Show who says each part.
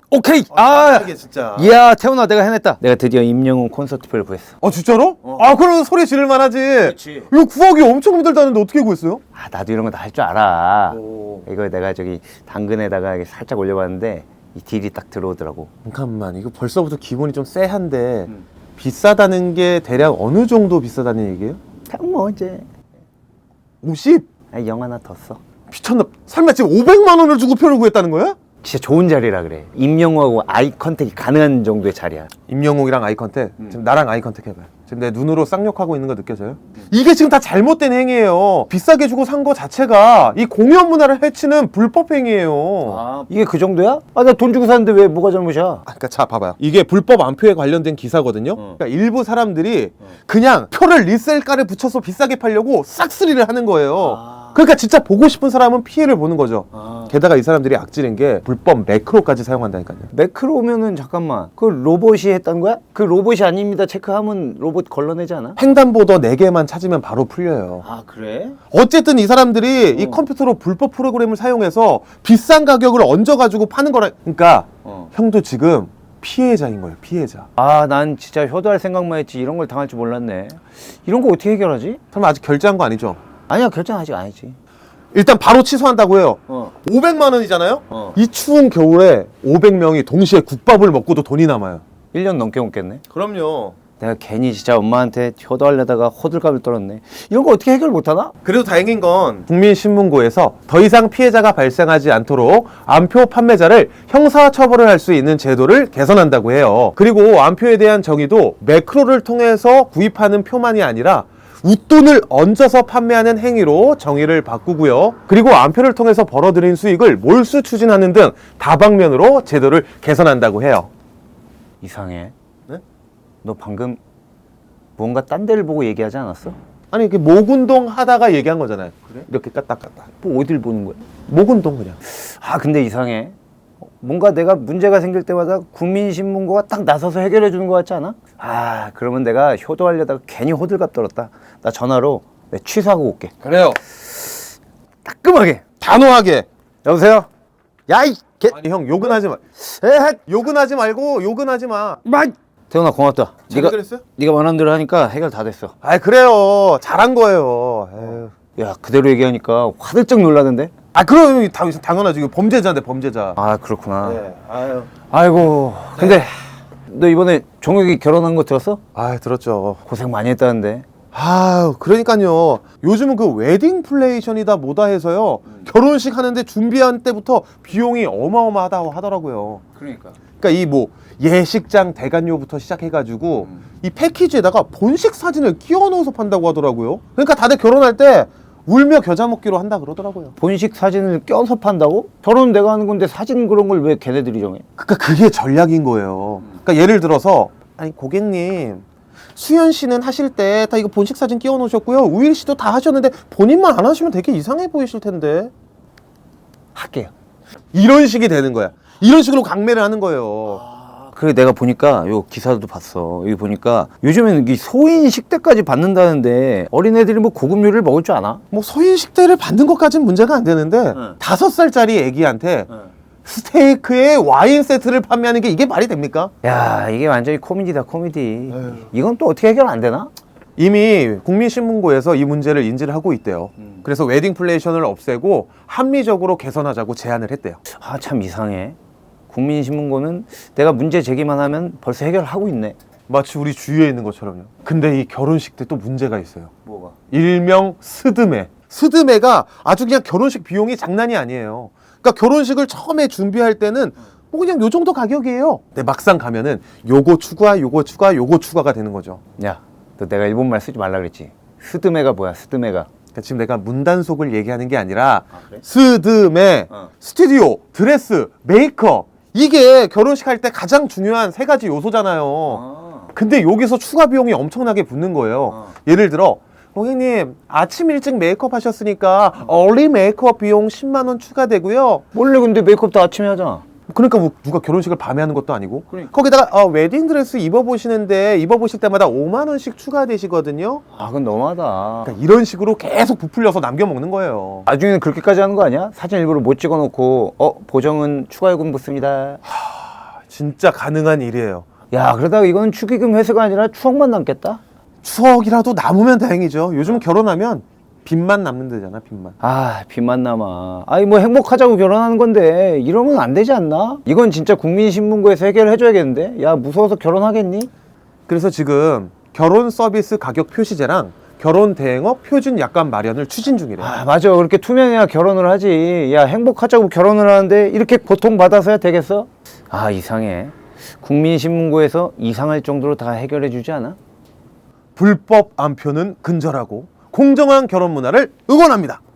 Speaker 1: 오케이.
Speaker 2: 이게 진짜.
Speaker 1: 이야 태훈아 내가 해냈다. 내가 드디어 임영웅 콘서트표를 구했어.
Speaker 2: 진짜로? 그럼 소리 지를 만하지.
Speaker 1: 그렇지.
Speaker 2: 이거 구하기 엄청 힘들다는데 어떻게 구했어요?
Speaker 1: 나도 이런 거 다 할 줄 알아. 이거 내가 저기 당근에다가 이렇게 살짝 올려봤는데 이 딜이 딱 들어오더라고.
Speaker 2: 잠깐만, 이거 벌써부터 기분이 좀 쎄한데 비싸다는 게 대략 어느 정도 비싸다는 얘기예요?
Speaker 1: 그냥 뭐 이제
Speaker 2: 50?
Speaker 1: 영 하나 더 써.
Speaker 2: 미쳤나? 설마 지금 500만 원을 주고 표를 구했다는 거야?
Speaker 1: 진짜 좋은 자리라 그래. 임영웅하고 아이 컨택이 가능한 정도의 자리야.
Speaker 2: 임영웅이랑 아이 컨택, 지금 나랑 아이 컨택 해봐요. 지금 내 눈으로 쌍욕하고 있는 거 느껴져요? 이게 지금 다 잘못된 행위예요. 비싸게 주고 산 거 자체가 이 공연 문화를 해치는 불법 행위예요.
Speaker 1: 이게 그 정도야? 나 돈 주고 샀는데 왜 뭐가 잘못이야?
Speaker 2: 그러니까 자 봐봐요. 이게 불법 안표에 관련된 기사거든요. 그러니까 일부 사람들이 그냥 표를 리셀가를 붙여서 비싸게 팔려고 싹쓸이를 하는 거예요. 그러니까 진짜 보고 싶은 사람은 피해를 보는 거죠. 게다가 이 사람들이 악질인 게 불법 매크로까지 사용한다니까요.
Speaker 1: 매크로면은 잠깐만 그 로봇이 했던 거야? 그 로봇이 아닙니다 체크하면 로봇 걸러내지 않아?
Speaker 2: 횡단보도 4개만 찾으면 바로 풀려요.
Speaker 1: 그래?
Speaker 2: 어쨌든 이 사람들이 이 컴퓨터로 불법 프로그램을 사용해서 비싼 가격을 얹어가지고 파는 거라. 그러니까 형도 지금 피해자인 거예요. 피해자.
Speaker 1: 난 진짜 효도할 생각만 했지 이런 걸 당할 줄 몰랐네. 이런 거 어떻게 해결하지?
Speaker 2: 설마 아직 결제한 거 아니죠?
Speaker 1: 아니야 결정 아직 아니지.
Speaker 2: 일단 바로 취소한다고 해요. 500만 원이잖아요? 이 추운 겨울에 500명이 동시에 국밥을 먹고도 돈이 남아요.
Speaker 1: 1년 넘게 옮겠네.
Speaker 2: 그럼요.
Speaker 1: 내가 괜히 진짜 엄마한테 효도하려다가 호들갑을 떨었네. 이런 거 어떻게 해결 못하나?
Speaker 2: 그래도 다행인 건 국민신문고에서 더 이상 피해자가 발생하지 않도록 암표 판매자를 형사처벌을 할 수 있는 제도를 개선한다고 해요. 그리고 암표에 대한 정의도 매크로를 통해서 구입하는 표만이 아니라 웃돈을 얹어서 판매하는 행위로 정의를 바꾸고요. 그리고 암표를 통해서 벌어들인 수익을 몰수 추진하는 등 다방면으로 제도를 개선한다고 해요.
Speaker 1: 이상해.
Speaker 2: 네?
Speaker 1: 너 방금 뭔가 딴 데를 보고 얘기하지 않았어?
Speaker 2: 아니 이렇게 목운동 하다가 얘기한 거잖아요. 그래? 이렇게 까딱까딱.
Speaker 1: 뭐 어딜 보는 거야?
Speaker 2: 목운동 그냥.
Speaker 1: 근데 이상해. 뭔가 내가 문제가 생길 때마다 국민신문고가 딱 나서서 해결해 주는 것 같지 않아? 그러면 내가 효도하려다가 괜히 호들갑 떨었다. 나 전화로 내가 취소하고 올게.
Speaker 2: 그래요.
Speaker 1: 따끔하게.
Speaker 2: 단호하게.
Speaker 1: 여보세요? 야이 개.
Speaker 2: 아니 형 욕은 하지 마.
Speaker 1: 에헷.
Speaker 2: 욕은 하지 말고 욕은 하지 마.
Speaker 1: 태훈아 고맙다.
Speaker 2: 잘 해결했어요?
Speaker 1: 네가 원하는 대로 하니까 해결 다 됐어.
Speaker 2: 그래요. 잘한 거예요. 에휴.
Speaker 1: 야 그대로 얘기하니까 화들짝 놀라던데?
Speaker 2: 그럼 당연하지. 이거 범죄자인데 범죄자.
Speaker 1: 그렇구나.
Speaker 2: 네. 아유.
Speaker 1: 아이고 근데 너 이번에 종혁이 결혼한 거 들었어?
Speaker 2: 들었죠.
Speaker 1: 고생 많이 했다는데.
Speaker 2: 그러니까요. 요즘은 그 웨딩 플레이션이다 뭐다 해서요. 결혼식 하는데 준비한 때부터 비용이 어마어마하다고 하더라고요.
Speaker 1: 그러니까
Speaker 2: 이 뭐 예식장 대관료부터 시작해가지고 이 패키지에다가 본식 사진을 끼워 넣어서 판다고 하더라고요. 그러니까 다들 결혼할 때 울며 겨자 먹기로 한다 그러더라고요.
Speaker 1: 본식 사진을 껴서 판다고? 결혼 내가 하는 건데 사진 그런 걸 왜 걔네들이 정해?
Speaker 2: 그러니까 그게 전략인 거예요. 그러니까 예를 들어서 고객님 수현 씨는 하실 때 다 이거 본식 사진 끼워 놓으셨고요. 우일 씨도 다 하셨는데 본인만 안 하시면 되게 이상해 보이실 텐데.
Speaker 1: 할게요.
Speaker 2: 이런 식이 되는 거야. 이런 식으로 강매를 하는 거예요.
Speaker 1: 그래 내가 보니까 요 기사도 봤어. 여기 보니까 요즘에는 이 소인 식대까지 받는다는데 어린애들이 뭐 고급 요리를 먹을 줄 아나?
Speaker 2: 뭐 소인 식대를 받는 것까지는 문제가 안 되는데 5살짜리 애기한테 스테이크에 와인 세트를 판매하는 게 이게 말이 됩니까?
Speaker 1: 야 이게 완전히 코미디다 코미디. 이건 또 어떻게 해결 안 되나?
Speaker 2: 이미 국민신문고에서 이 문제를 인지를 하고 있대요. 그래서 웨딩 플레이션을 없애고 합리적으로 개선하자고 제안을 했대요.
Speaker 1: 참 이상해. 국민신문고는 내가 문제 제기만 하면 벌써 해결하고 있네.
Speaker 2: 마치 우리 주위에 있는 것처럼요. 근데 이 결혼식 때 또 문제가 있어요.
Speaker 1: 뭐가?
Speaker 2: 일명 스드메. 스드메가 아주 그냥 결혼식 비용이 장난이 아니에요. 그러니까 결혼식을 처음에 준비할 때는 뭐 그냥 요 정도 가격이에요. 근데 막상 가면은 요거 추가, 요거 추가, 요거 추가가 되는 거죠.
Speaker 1: 야, 너 내가 일본말 쓰지 말라 그랬지? 스드메가 뭐야, 스드메가?
Speaker 2: 그러니까 지금 내가 문단속을 얘기하는 게 아니라
Speaker 1: 그래?
Speaker 2: 스드메, 스튜디오, 드레스, 메이크업 이게 결혼식 할 때 가장 중요한 3가지 요소잖아요. 근데 여기서 추가 비용이 엄청나게 붙는 거예요. 예를 들어 고객님 아침 일찍 메이크업 하셨으니까 얼리 메이크업 비용 10만 원 추가되고요.
Speaker 1: 원래 근데 메이크업도 아침에 하잖아.
Speaker 2: 그러니까 뭐 누가 결혼식을 밤에 하는 것도 아니고.
Speaker 1: 그러니까.
Speaker 2: 거기다가 웨딩드레스 입어보시는데 입어보실 때마다 5만 원씩 추가되시거든요.
Speaker 1: 그건 너무하다.
Speaker 2: 그러니까 이런 식으로 계속 부풀려서 남겨먹는 거예요.
Speaker 1: 나중에는 그렇게까지 하는 거 아니야? 사진 일부러 못 찍어놓고 보정은 추가 요금 붙습니다.
Speaker 2: 진짜 가능한 일이에요.
Speaker 1: 야, 그러다가 이건 축의금 회수가 아니라 추억만 남겠다.
Speaker 2: 추억이라도 남으면 다행이죠. 요즘 결혼하면 빚만 남는 데잖아, 빚만.
Speaker 1: 아, 빚만 남아. 아니 뭐 행복하자고 결혼하는 건데 이러면 안 되지 않나? 이건 진짜 국민신문고에서 해결해줘야겠는데? 야, 무서워서 결혼하겠니?
Speaker 2: 그래서 지금 결혼 서비스 가격 표시제랑 결혼 대행업 표준 약관 마련을 추진 중이래요.
Speaker 1: 아, 맞아. 그렇게 투명해야 결혼을 하지. 야, 행복하자고 결혼을 하는데 이렇게 고통받아서야 되겠어? 아, 이상해. 국민신문고에서 이상할 정도로 다 해결해주지 않아?
Speaker 2: 불법 암표는 근절하고 공정한 결혼 문화를 응원합니다.